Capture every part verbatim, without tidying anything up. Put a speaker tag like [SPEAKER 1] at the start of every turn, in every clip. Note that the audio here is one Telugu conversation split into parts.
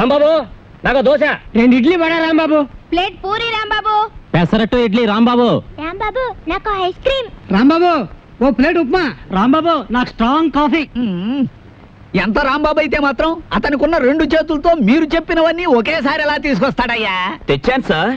[SPEAKER 1] రాంబాబు నాకు దోశ, రెండు ఇడ్లీ వడ రాంబాబు,
[SPEAKER 2] ప్లేట్ పూరి రాంబాబు,
[SPEAKER 1] పెసరట్టు ఇడ్లీ రాంబాబు,
[SPEAKER 2] రాంబాబు నాకు ఐస్ క్రీమ్,
[SPEAKER 1] రాంబాబు ఓ ప్లేట్ ఉప్మా, రాంబాబు నాకు స్ట్రాంగ్ కాఫీ.
[SPEAKER 3] ఎంత రాంబాబు అయితే మాత్రం అతనికున్న రెండు చేతులతో మీరు చెప్పినవన్నీ ఒకేసారి ఎలా తీసుకొస్తాడయ్యా?
[SPEAKER 4] తెచ్చాను సార్.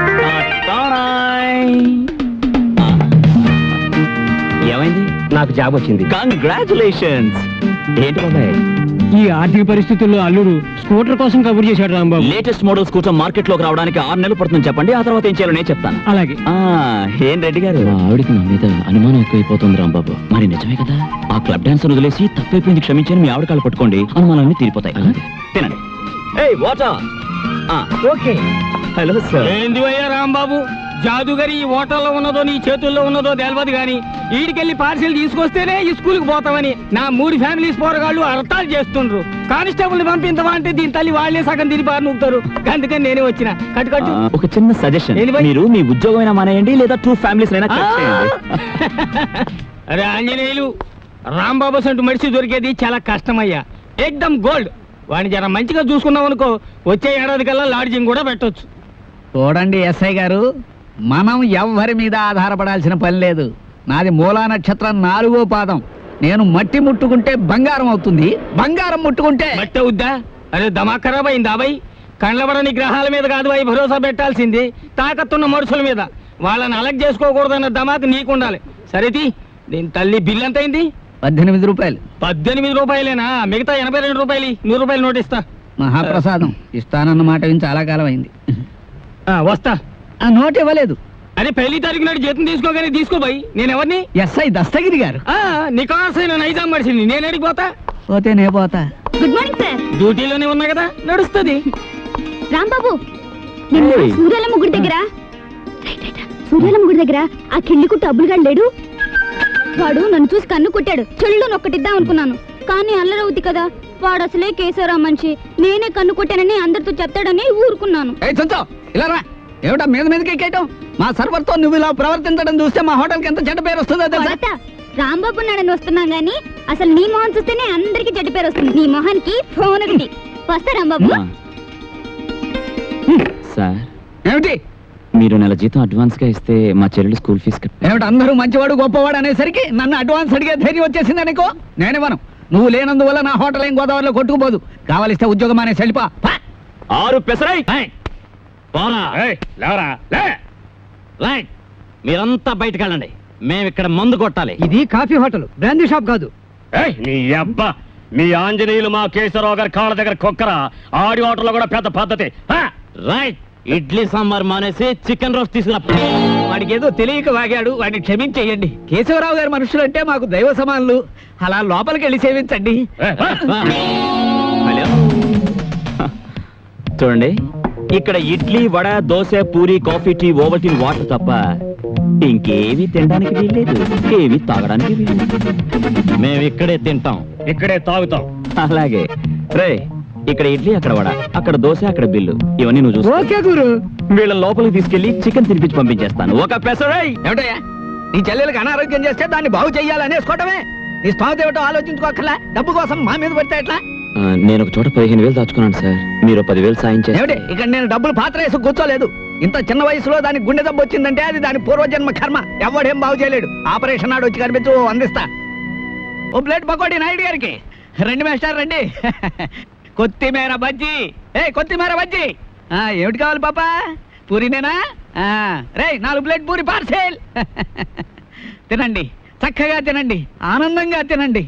[SPEAKER 4] ఏమైంది?
[SPEAKER 1] నాకు జాబ్ వచ్చింది.
[SPEAKER 4] కంగ్రాచులేషన్స్. ఏంటి బాబాయ్,
[SPEAKER 1] ఈ ఆర్థిక పరిస్థితుల్లో అల్లుడు స్కూటర్ కోసం కబుర్ చేశాడు Rambabu.
[SPEAKER 4] Latest model scooter market లోకి రావడానికి ఆరు నెలలు పడుతుంది చెప్పండి, ఆ తర్వాత ఏం చేయాలో నేను చెప్తాను.
[SPEAKER 1] అలాగే.
[SPEAKER 4] ఆ ఏం రెడ్డి గారు, ఆవిడికి నా మీద అనుమానం ఎక్కువైపోతుంది రాంబాబు. మరి నిజమే కదా, ఆ క్లబ్ డాన్స్ వదిలేసి తప్పైపోయింది క్షమించని మీ ఆవిడ కాళ్ళు పట్టుకోండి, అనుమానాలన్నీ తీరిపోతాయి. తినండి. ఏయ్ వాటర్.
[SPEAKER 1] ఓకే.
[SPEAKER 4] Hello sir.
[SPEAKER 1] ఏంది అయ్యా రాంబాబు, జాదుగరి ఈ హోటల్లో ఉన్నదో నీ చేతుల్లో ఉన్నదో తెలియదు గాని ఈడికెళ్ళి పార్సిల్ తీసుకొస్తేనే ఈ స్కూల్కి పోతామని నా మూడు ఫ్యామిలీస్ పోరగాళ్ళు అర్థాలు చేస్తుండ్రు. కానిస్టేబుల్ పంపించవా అంటే దీని తల్లి వాళ్లే సగం తిరిగి బారి నూపుతారు. అందుకని నేనే వచ్చిన. కట్టు కట్టు.
[SPEAKER 4] ఒక చిన్న సజెషన్, మీరు మీ ఉద్యోగం అయినా మానేయండి, లేదా టూ ఫ్యామిలీస్ అయినా కట్ చేయండి.
[SPEAKER 1] అరే ఆంజనేయులు, రాంబాబు సంటూ మనిషి దొరికేది చాలా కష్టమయ్యా. ఏకదమ్ గోల్డ్. వాడిని జర మంచిగా చూసుకున్నాం అనుకో, వచ్చే ఏడాది కల్లా లాడ్జింగ్ కూడా పెట్టొచ్చు.
[SPEAKER 3] చూడండి ఎస్ఐ గారు, మనం ఎవ్వరి మీద ఆధారపడాల్సిన పని లేదు. నాది మూలా నక్షత్రం నాలుగో పాదం. నేను మట్టి ముట్టుకుంటే బంగారం అవుతుంది, బంగారం ముట్టుకుంటే
[SPEAKER 1] మట్టి అవుద్దా? అరే దమా ఖరాబ్ అయిందా బాయ్? కండ్లబడని గ్రహాల మీద కాదు బాయ్ భరోసా పెట్టాల్సింది, తాకత్తున్న మనుషుల మీద. వాళ్ళని అలగ్ చేసుకోకూడదన్న దమాకు నీకుండాలి. సరేది, దీని తల్లి బిల్ ఎంత అయింది?
[SPEAKER 3] పద్దెనిమిది రూపాయలు.
[SPEAKER 1] పద్దెనిమిది రూపాయలేనా? మిగతా ఎనభై రెండు రూపాయలు నూరు రూపాయలు నోటిస్తా.
[SPEAKER 3] మహాప్రసాదం ఇస్తానన్న మాట విని చాలా కాలం అయింది.
[SPEAKER 1] వస్తా.
[SPEAKER 3] ఆ నోట్ ఇవ్వలేదు.
[SPEAKER 1] అరే పెళ్లి తారీఖు నాడు జీతం తీసుకోగానే తీసుకో బాయ్. నేను ఎవరిని?
[SPEAKER 3] ఎస్ఐ దస్తగిరి గారు.
[SPEAKER 1] నికాసైన నైజాం మనిషిని. నేను ఎడికి పోతా?
[SPEAKER 3] పోతే నే పోతా.
[SPEAKER 2] Good morning sir.
[SPEAKER 1] డ్యూటీలోనే ఉన్నా కదా, నడుస్తుంది.
[SPEAKER 2] రాంబాబు, సూర్యాలమ్మ గుడి దగ్గర సూర్యాలమ్మ గుడి దగ్గర ఆ కిళ్ళి కుట్టు అబ్బులుగాడు లేడు? వాడు నన్ను చూసి కన్ను కుట్టాడు. చెల్లు నొక్కటిద్దాం అనుకున్నాను, కానీ అల్లరవుద్ది కదా. వాడు అసలే కేశవరావు మనిషి. నేనే కన్ను కొట్టానని అందరితో చెప్తాడని ఊరుకున్నాను.
[SPEAKER 3] ఏమిటా మీద మీదకి ఎక్కేయటం? మా సర్వర్ తో నువ్వు ఇలా ప్రవర్తించడం చూస్తే మా హోటల్ కి ఎంత చెడ్డ పేరు వస్తుందో తెలుసా?
[SPEAKER 2] రాంబాబు నాడని వస్తున్నాం గానీ అసలు నీ మొహం చూస్తేనే అందరికి చెడ్డ పేరు వస్తుంది. నీ మొహానికి ఫోన్ ఒకటి. వస్తా రాంబాబు.
[SPEAKER 4] సార్,
[SPEAKER 3] ఏమిటి?
[SPEAKER 4] మీరు నెల జీతం అడ్వాన్స్ గా ఇస్తే మా చెల్లెలు స్కూల్ ఫీజు.
[SPEAKER 3] ఏమిటి అందరూ మంచివాడు గొప్పవాడు అనేసరికి నన్ను అడ్వాన్స్ అడిగే ధైర్యం వచ్చేసింది అనుకో. నేనేమను, నువ్వు లేనందువల్ల నా హోటల్ ఏం గోదావరిలో కొట్టుకుపోదు. కావాలిస్తే ఉద్యోగం అనే సెలిపా.
[SPEAKER 4] ఆరు పెసరై మీరంతా బయటకు వెళ్ళండి. మేము ఇక్కడ మందు కొట్టాలి.
[SPEAKER 1] ఇది కాఫీ హోటల్, బ్రాందీ షాప్ కాదు.
[SPEAKER 5] నీ అబ్బా, మీ ఆంజనేయులు మా కేశవరావు గారి కాళ్ళ దగ్గర కొక్కరా. ఆడి హోటల్లో కూడా పెద్ద పద్ధతి.
[SPEAKER 4] రైట్, ఇడ్లీ సాంబార్ మానేసి చికెన్ రోస్ట్ తీసుకురా.
[SPEAKER 3] వాడికి ఏదో తెలియక వాగాడు, వాడిని క్షమించేయండి. కేశవరావు గారి మనుషులు అంటే మాకు దైవ సమానులు. అలా లోపలికి వెళ్ళి సేవించండి.
[SPEAKER 4] హలో, చూడండి, ఇక్కడ idli vada dosa puri coffee tea Ovaltine water తప్ప ఇంకేవి తినడానికి వీల్లేదు, ఏవి తాగడానికి వీల్లేదు. మేము ఇక్కడే తింటాం,
[SPEAKER 5] ఇక్కడే తాగుతాం.
[SPEAKER 4] అలాగే రే, ఇక్కడ ఇడ్లీ, అక్కడ వడ, అక్కడ దోశ, అక్కడ బిల్లు. ఇవన్నీ నువ్వు చూసుకో.
[SPEAKER 1] ఓకే గురు.
[SPEAKER 4] వీళ్ళ లోపలికి తీసుకెళ్లి చికెన్ తినిపించి పంపించేస్తాను. ఒక పెసరై.
[SPEAKER 3] ఏమిటయ్యా, నీ చెల్లెలకు అనారోగ్యం చేస్తే దాన్ని బాగు చెయ్యాలనేసుకోవటమే. నీ స్థానం ఏమిటో ఆలోచించుకోకర్లా. డబ్బు కోసం మా మీద పడితే ఎట్లా?
[SPEAKER 4] నేను ఒక చోట పదిహేను వేలు దాచుకున్నాను సార్, మీరు పదివేలు సాయం చేయండి.
[SPEAKER 3] ఇక్కడ నేను డబ్బులు పాత్ర వేసి కూర్చోలేదు. ఇంత చిన్న వయసులో దానికి గుండె దెబ్బ వచ్చిందంటే అది దాని పూర్వజన్మ కర్మ. ఎవడేం బాగు చేయలేడు. ఆపరేషన్ నాడు వచ్చి కనిపించు, అందిస్తా. ఓ ప్లేట్ పకోడీ నాయుడు గారికి. రండి మేస్టార్ రండి. కొత్తిమీర బజ్జీ. ఏ కొత్తిమీర బజ్జీ. ఏమిటి కావాలి పాపా? పూరినేనా? రే నాలుగు ప్లేట్ పూరి పార్సెల్. తినండి, చక్కగా తినండి, ఆనందంగా తినండి.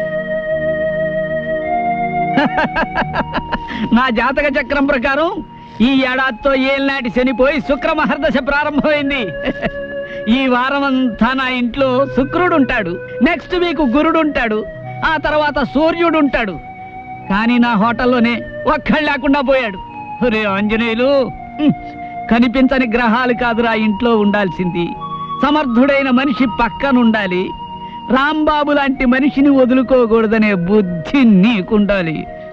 [SPEAKER 3] నా జాతక చక్రం ప్రకారం ఈ ఏడాదితో ఏళ్ళనాటి శనిపోయి శుక్ర మహర్దశ ప్రారంభమైంది. ఈ వారం అంతా నా ఇంట్లో శుక్రుడు ఉంటాడు, నెక్స్ట్ వీక్ గురుడు ఉంటాడు, ఆ తర్వాత సూర్యుడు ఉంటాడు. కానీ నా హోటల్లోనే ఒక్కడు లేకుండా పోయాడు. రే ఆంజనేయులు, కనిపించని గ్రహాలు కాదురా ఇంట్లో ఉండాల్సింది. సమర్థుడైన మనిషి పక్కనుండాలి. రాంబాబు లాంటి మనిషిని వదులుకోకూడదనే బుద్ధి నీకుండాలి.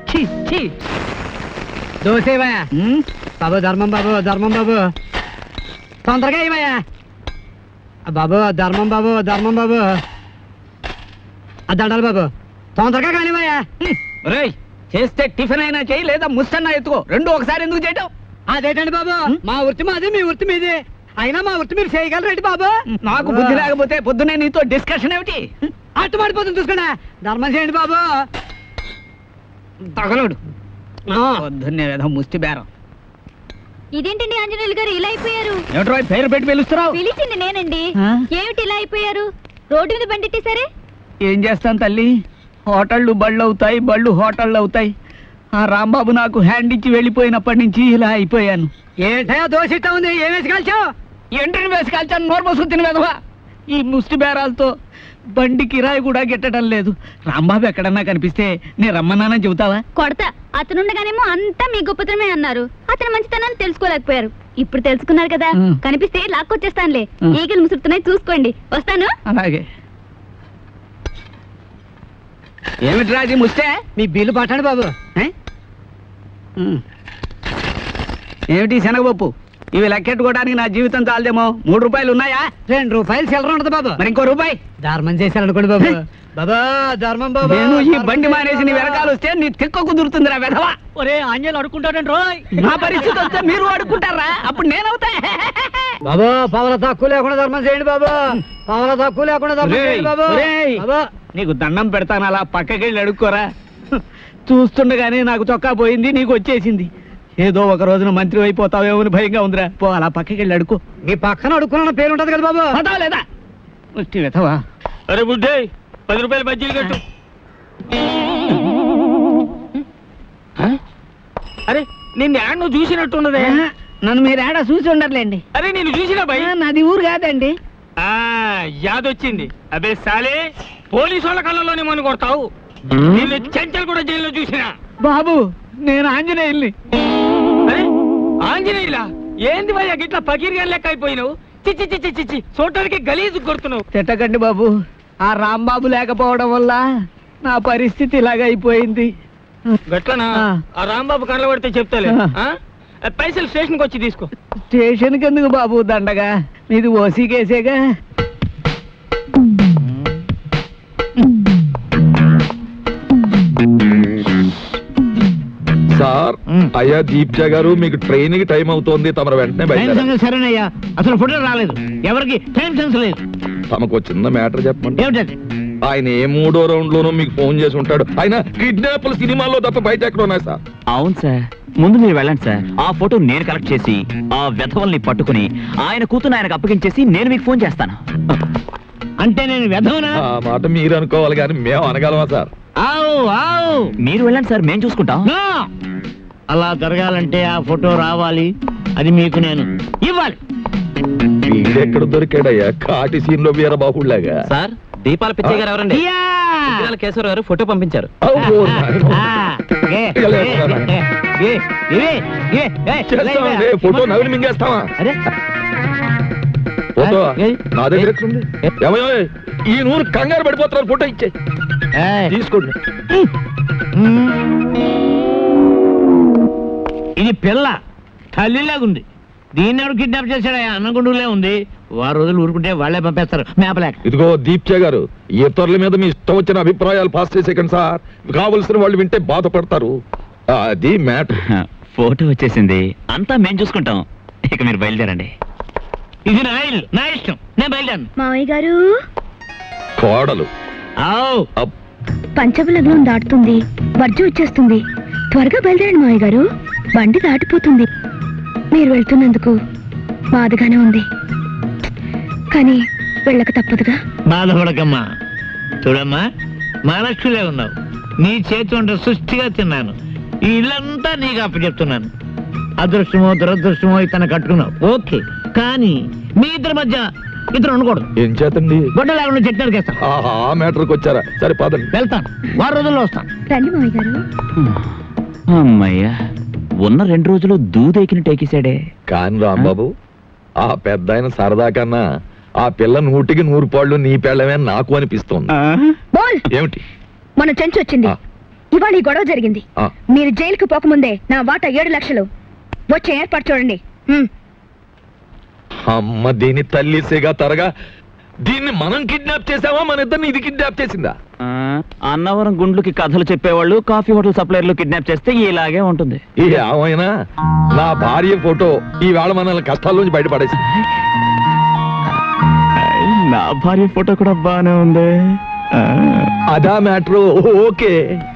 [SPEAKER 1] దోసేవయ్యా బాబు, ధర్మం బాబు, ధర్మం బాబు, తొందరగా ఏమయ్యా బాబు, ధర్మం బాబు, ధర్మం బాబు, ఆ దండాలి బాబు, తొందరగా కానివయ్యా.
[SPEAKER 3] రేయ్, చేస్తే టిఫిన్ అయినా చేయి లేదా ముస్తన్నా ఎత్తుకో రెండు ఒకసారి ఎందుకు చేయటం?
[SPEAKER 1] అదేటండి బాబు, మా వృత్తి మాది, మీ వృత్తి మీది. అయినా మా వృత్తి మీరు చేయగలరేంటి బాబు?
[SPEAKER 3] నాకు బుద్ధి లేకపోతే పొద్దునే నీతో డిస్కషన్ ఏమిటి?
[SPEAKER 1] అట్టు పడిపోతుంది చూసుకోండి. ధర్మం చేయండి బాబు.
[SPEAKER 3] తగలడు
[SPEAKER 1] ఆ,
[SPEAKER 3] పొద్దున్నే ఏదో ముష్టి బేరం.
[SPEAKER 2] ఇదేంటండి ఆంజనేయులు గారు ఇలా అయిపోయారు?
[SPEAKER 3] ఏమిట్రో ఈ పేరు పెట్టి పిలుస్తున్నావు?
[SPEAKER 2] పిలిచింది నేనండి.
[SPEAKER 3] ఆ?
[SPEAKER 2] ఏమిటి ఇలా అయిపోయారు? రోడ్డు మీద బండిట్టేసరే.
[SPEAKER 3] ఏం చేస్తాను తల్లి, హోటళ్ళు బళ్ళు అవుతాయి, బళ్ళు హోటళ్ళు అవుతాయి. ఆ రాంబాబు నాకు హ్యాండ్ ఇచ్చి వెళ్ళిపోయినప్పటి నుంచి ఇలా అయిపోయాను.
[SPEAKER 1] ఏంటయ్యా దోశ ఇట్టా ఉంది, ఏం వేసి కాల్చావు?
[SPEAKER 3] ఎంట్రీని వేసి కాల్చాను, నోరు మూసుకుని తిని వెధవా. ఈ ముష్టి బేరాలతో బండి కిరాయి కూడా గిట్టడం లేదు. రాంబాబు ఎక్కడన్నా కనిపిస్తే నేను రమ్మన్నానని చెబుతావా?
[SPEAKER 2] కొడతా. అతనుండగానేమో అంతా మీ గొప్పతనమే అన్నారు. అతని మంచితనాన్ని తెలుసుకోలేకపోయారు. ఇప్పుడు తెలుసుకున్నారు కదా,
[SPEAKER 3] మ్.
[SPEAKER 2] కనిపిస్తే లాక్కొచ్చేస్తానులే.
[SPEAKER 3] మ్.
[SPEAKER 2] ఈగలు ముసురుతున్నాయి చూసుకోండి. వస్తాను.
[SPEAKER 3] అలాగే. ఏమిటి రాజీ ముస్తే?
[SPEAKER 1] మీ బిల్లు పట్టండి బాబు.
[SPEAKER 3] ఏ? ఉమ్. ఏమిటి శనగపప్పు? ఇవి లెక్కెట్టుకోవడానికి నా జీవితం చాలదేమో. మూడు రూపాయలు ఉన్నాయా?
[SPEAKER 1] రెండు రూపాయలు చిల్లర ఉండదు బాబు.
[SPEAKER 3] మరి ఇంకో రూపాయి.
[SPEAKER 1] ధర్మం చేశారనుకోండి బాబు. బాబా ధర్మం బాబు.
[SPEAKER 3] నేను ఈ బండి మానేసి నీ వెనకాల వస్తే నీ తిక్క కుదురుతుందిరా వెధవా.
[SPEAKER 1] ఒరే ఆంజనేయులు అడుకుంటాడండి రోయ్.
[SPEAKER 3] నా పరిస్థితి వస్తే మీరు అడుక్కుంటారా? అప్పుడు నేనవుతా.
[SPEAKER 1] బాబా పవల తక్కువ లేకుండా ధర్మం చేయండి బాబా. పవల తక్కువ లేకుండా ధర్మం
[SPEAKER 3] ఒరేయ్,
[SPEAKER 1] చేయండి బాబా.
[SPEAKER 3] ఒరేయ్.
[SPEAKER 1] బాబా
[SPEAKER 3] నీకు దండం పెడతాను, అలా పక్కకెళ్ళి అడుక్కోరా. చూస్తుండగానే నాకు చొక్కా పోయింది, నీకు వచ్చేసింది. ఏదో ఒక రోజున మంత్రి అయిపోతావేమో అని భయంగా ఉందిరా. పో అలా పక్కకెళ్ళి అడుకో.
[SPEAKER 1] మీ పక్కన అడుక్కున్న పేరు ఉంటది కదా బాబు.
[SPEAKER 3] పదావు లేదా ముష్టి వెధవా.
[SPEAKER 1] అరే బుడ్డే, పది రూపాయలు బజ్జీలు కట్టు. అరే నిన్ను యాడ్ నువ్వు చూసినట్టున్నదే.
[SPEAKER 3] నన్ను మీరు ఏడా చూసి ఉండర్లేండి.
[SPEAKER 1] అరే నేను చూసినా భయ్.
[SPEAKER 3] ఆ, నాది ఊరు కాదండి.
[SPEAKER 1] ఆ యాదొచ్చింది. అబే సాలే, పోలీసు వాళ్ళ కళ్ళలోనే మన కొడతావు. నిన్ను చెంచల్ కూడా జైల్లో చూసినా.
[SPEAKER 3] బాబు నేను ఆంజనేయుల్ని.
[SPEAKER 1] అరే ఆంజనేయులా? ఏంది భయ్యా గిట్లా పకీర్గా లెక్క అయిపోయినావు? చిచ్చి చిచ్చి చిచ్చి చూడటానికి గలీజు కొడుతున్నావు.
[SPEAKER 3] తిట్టకండి బాబు, ఆ రాంబాబు లేకపోవడం వల్ల నా పరిస్థితి ఇలాగ అయిపోయింది.
[SPEAKER 1] గట్లనా?
[SPEAKER 3] ఆ.
[SPEAKER 1] ఆ రాంబాబు కళ్ళ పడితే చెప్తాలే.
[SPEAKER 3] ఆ.
[SPEAKER 1] ఆ, పైసలు స్టేషన్కి వచ్చి తీసుకో.
[SPEAKER 3] స్టేషన్కి ఎందుకు బాబు దండగా? మీది ఓసీ కేసేగా.
[SPEAKER 6] సార్
[SPEAKER 3] మ్.
[SPEAKER 6] అయ్యా దీప్జ గారు మీకు ట్రైన్ కి టైం అవుతోంది, తమరు వెంటనే
[SPEAKER 3] టైం
[SPEAKER 6] బయలుదేరాలి.
[SPEAKER 3] సంగతి సరేనయ్యా, అసలు ఫోటో రాలేదు. ఎవరికి టైం సెన్స్ లేదు.
[SPEAKER 6] తమకు చిన్న మ్యాటర్ చెప్పండి.
[SPEAKER 3] ఏమిటది?
[SPEAKER 6] ఆయన ఏ మూడో రౌండ్ లోనూ మీకు ఫోన్ చేసి ఉంటాడు. ఆయన కిడ్నాప్ల సినిమాల్లో తప్ప బయట ఎక్కడ ఉన్నాయి సార్?
[SPEAKER 4] అవును సార్, ముందు మీరు వెళ్ళండి సార్. ఆ ఫోటో నేను కలెక్ట్ చేసి ఆ వెధవల్ని పట్టుకుని ఆయన కూతురు ఆయనకు అప్పగించేసి నేను మీకు ఫోన్ చేస్తాను.
[SPEAKER 3] అంటే నేను వెధవనా?
[SPEAKER 6] ఆ మాట మీరు అనుకోవాలి కానీ మేము అనగలమా సార్?
[SPEAKER 3] ఆవు ఆవు
[SPEAKER 4] మీరు వెళ్ళండి సార్, మేము చూసుకుంటాం.
[SPEAKER 3] నో! అలా జరగాలంటే ఆ ఫోటో రావాలి. అది మీకు నేను ఇవ్వాలి.
[SPEAKER 6] వీడెక్కడ దొరికాడయ్యా కాటి సీన్ లో వీరబాహుళ్లాగా?
[SPEAKER 4] సార్, దీపాల పిచ్చయ్య గారు ఎవరండి?
[SPEAKER 3] ఇయ్యా!
[SPEAKER 4] కేశవరావు గారు ఫోటో పంపించారు.
[SPEAKER 6] అబ్బో, నాయనో.
[SPEAKER 3] ఆ, ఏ, ఏ, ఏ, ఏ, ఏ, ఏ,
[SPEAKER 6] చేస్తామండి, ఫోటో నవిలి మింగేస్తావా?
[SPEAKER 3] అరే
[SPEAKER 6] ఫోటో
[SPEAKER 3] ఏ?
[SPEAKER 6] నా దగ్గర ఎక్కడుంది? ఏమయ్యో, ఈ నూరు కంగారు పడిపోతున్నారు, ఫోటో ఇచ్చే
[SPEAKER 3] ఏయ్.
[SPEAKER 6] తీసుకోండి.
[SPEAKER 3] ఇది పిల్ల తల్లిలాగుంది. దీన్ని ఎవరు కిడ్నాప్ చేశాడా? అన్నగుండులే ఉంది. వారు రోజులు ఊరుకుంటే వాళ్ళే పంపేస్తారు మేపలేక.
[SPEAKER 6] ఇదిగో దీప్చే గారు, ఇతరుల మీద మీ ఇష్టం వచ్చిన అభిప్రాయాలు పాస్ చేసేకండి సార్. కావలసిన వాళ్ళు వింటే బాధపడతారు. అది మ్యాటర్.
[SPEAKER 4] ఫోటో వచ్చేసింది, అంతా మేము చూసుకుంటాం. ఇక మీరు బయలుదేరండి.
[SPEAKER 3] ఇది నా ఇల్లు, నా ఇష్టం, నేను బయలుదేరను.
[SPEAKER 2] మావయ్య గారు,
[SPEAKER 6] కోడలు
[SPEAKER 3] ఆవ్.
[SPEAKER 6] అప్.
[SPEAKER 2] పంచమ లగ్నం దాటుతుంది, వర్జం వచ్చేస్తుంది. త్వరగా బయలుదేరండి మావయ్య గారు, బండి దాటిపోతుంది. మీరు వెళ్తున్నందుకు బాధగానే ఉంది, కానీ వెళ్ళక తప్పదుగా.
[SPEAKER 3] బాధపడకమ్మా. చూడమ్మా, మహాలక్ష్మిలే ఉన్నావు. నీ చేతి వంట సృష్టిగా తిన్నాను. ఈ ఇల్లంతా నీకు అప్పచెప్తున్నాను. అదృష్టమో దురదృష్టమో ఇతను కట్టుకున్నావు, ఓకే. కానీ మీ ఇద్దరి మధ్య ఇతను ఉండకూడదు.
[SPEAKER 6] ఏం చేతండి?
[SPEAKER 3] గొడ్డ లేకుండా చెట్టు నరికేస్తాను.
[SPEAKER 6] ఆహా, ఆ మ్యాటర్కి వచ్చారా? సరే పదండి.
[SPEAKER 3] వెళ్తాను, వారం రోజుల్లో వస్తాను.
[SPEAKER 2] రండి మావయ్య గారు.
[SPEAKER 4] అమ్మయ్యా, ఉన్న రెండు రోజులు దూదెకిన టేకేశాడే.
[SPEAKER 6] కాని రాంబాబు, ఆ పెద్ద ఆయన సరదా కన్నా ఆ పిల్ల నూటికి నూరు పాళ్ళు నీ పెళ్ళమే నాకు అనిపిస్తోంది.
[SPEAKER 2] బోల్,
[SPEAKER 6] ఏమిటి?
[SPEAKER 2] మన చెంచు వచ్చింది.
[SPEAKER 6] ఆ.
[SPEAKER 2] ఇవాళ ఈ గొడవ జరిగింది.
[SPEAKER 6] ఆ.
[SPEAKER 2] మీరు జైలుకు పోకముందే నా వాటా ఏడు లక్షలు వచ్చే ఏర్పాటు చూడండి. హ్మ్.
[SPEAKER 6] అమ్మ దీని తల్లి సిగా తరగా, దీన్ని మనం కిడ్నాప్ చేసావా, మన ఇద్దరిని ఇది కిడ్నాప్ చేసిందా?
[SPEAKER 4] ఆ, అన్నవరం గుండ్లుకి కథలు చెప్పేవాళ్ళు కాఫీ హోటల్ సప్లైర్లు కిడ్నాప్ చేస్తే ఇలాగే ఉంటుంది.
[SPEAKER 6] ఏమైనా నా భార్య ఫోటో ఈ వేళ మనల్ని కష్టాల్లోంచి బయటపడేసి.
[SPEAKER 4] నా భార్య ఫోటో కూడా బానే ఉంది.
[SPEAKER 6] అదా మ్యాటర్. ఓకే.